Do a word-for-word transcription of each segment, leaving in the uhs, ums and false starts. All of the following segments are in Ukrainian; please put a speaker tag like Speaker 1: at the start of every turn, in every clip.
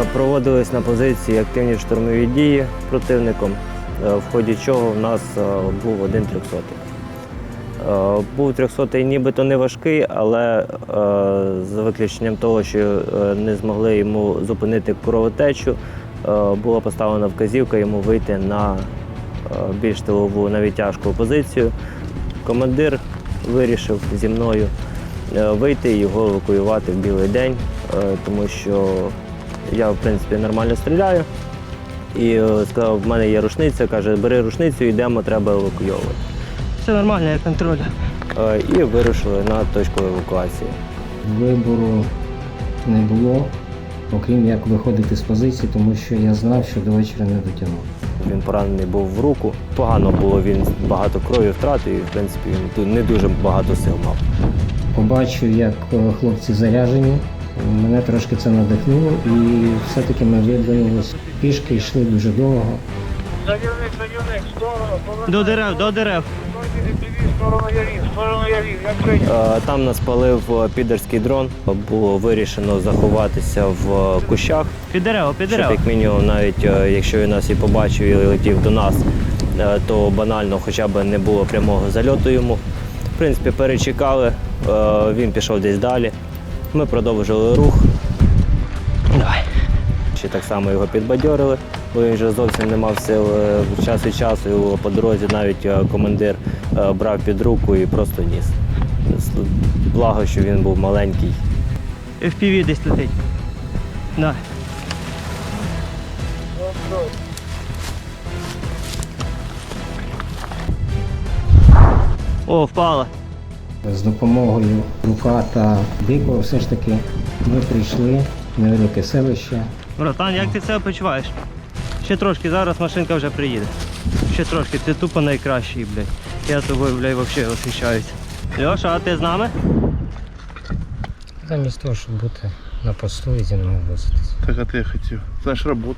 Speaker 1: Проводились на позиції активні штурмові дії противником, в ході чого в нас був один трьохсотий. Був трьохсотий нібито не важкий, але за виключенням того, що не змогли йому зупинити кровотечу, була поставлена вказівка йому вийти на більш тилову, навіть тяжку позицію. Командир вирішив зі мною вийти і його евакуювати в білий день, тому що я, в принципі, нормально стріляю. І сказав, в мене є рушниця, каже, бери рушницю, йдемо, треба евакуйовувати.
Speaker 2: Все нормально, я контролю.
Speaker 1: І вирушили на точку евакуації.
Speaker 3: Вибору не було, окрім як виходити з позиції, тому що я знав, що до вечора не дотягнув.
Speaker 1: Він поранений був в руку, погано було, він багато крові втратив і, в принципі, він не дуже багато сил мав.
Speaker 3: Побачив, як хлопці заряжені, мене трошки це надихнуло і все-таки ми видвинулися пішки, йшли дуже довго.
Speaker 4: Садівник, садівник, сторону, повернути.
Speaker 2: До дерев, до дерев.
Speaker 4: Сторону ярів, сторону ярів, як прийняв.
Speaker 1: Там нас палив підерський дрон, було вирішено заховатися в кущах.
Speaker 2: Під дерево, під дерево.
Speaker 1: Щоб, як мінімум, навіть якщо він нас і побачив і летів до нас, то банально хоча б не було прямого зальоту йому. В принципі, перечекали, він пішов десь далі. Ми продовжили рух.
Speaker 2: Давай.
Speaker 1: Ще так само його підбадьорили, бо він вже зовсім не мав сил. Час від часу його по дорозі навіть командир брав під руку і просто ніс. Благо, що він був маленький.
Speaker 2: еф пі ві десь летить. Давай. О, впала.
Speaker 3: З допомогою Рука та Дикого все ж таки ми прийшли в невелике селище.
Speaker 2: Братан, як ти себе почуваєш? Ще трошки, зараз машинка вже приїде. Ще трошки, ти тупо найкращий, блядь. Я тобою, блядь, взагалі восхищаюся. Льоша, а ти з нами?
Speaker 3: Замість того, щоб бути на посту і зі мною возитись.
Speaker 4: Так, а ти хотів. Це ж робота.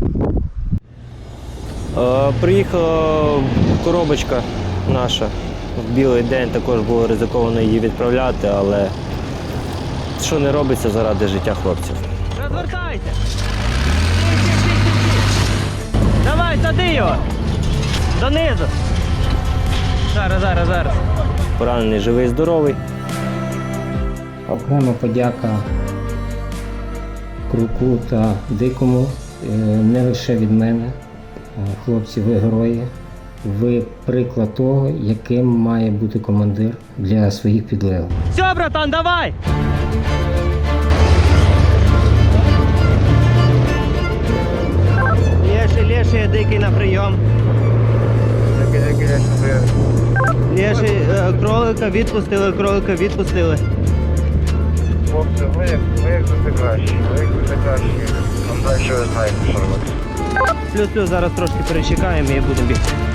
Speaker 1: Приїхала коробочка наша. В білий день також було ризиковано її відправляти, але що не робиться заради життя хлопців.
Speaker 2: Розвертайте! Давай, сади його! Донизу! Зараз, зараз, зараз.
Speaker 1: Поранений живий, здоровий.
Speaker 3: Окрема подяка Круку та Дикому, не лише від мене. Хлопці, ви герої. Ви приклад того, яким має бути командир для своїх підлеглих.
Speaker 2: Все, братан, давай! Леший, леший, Дикий на прийом. Леший, е, кролика відпустили, кролика відпустили.
Speaker 4: Хлопці, ви як, ви як завжди кращі, ви як завжди кращі. Там далі ви знаєте, що робити.
Speaker 2: Плюс-плюс, зараз трошки перечекаємо і будемо бігти.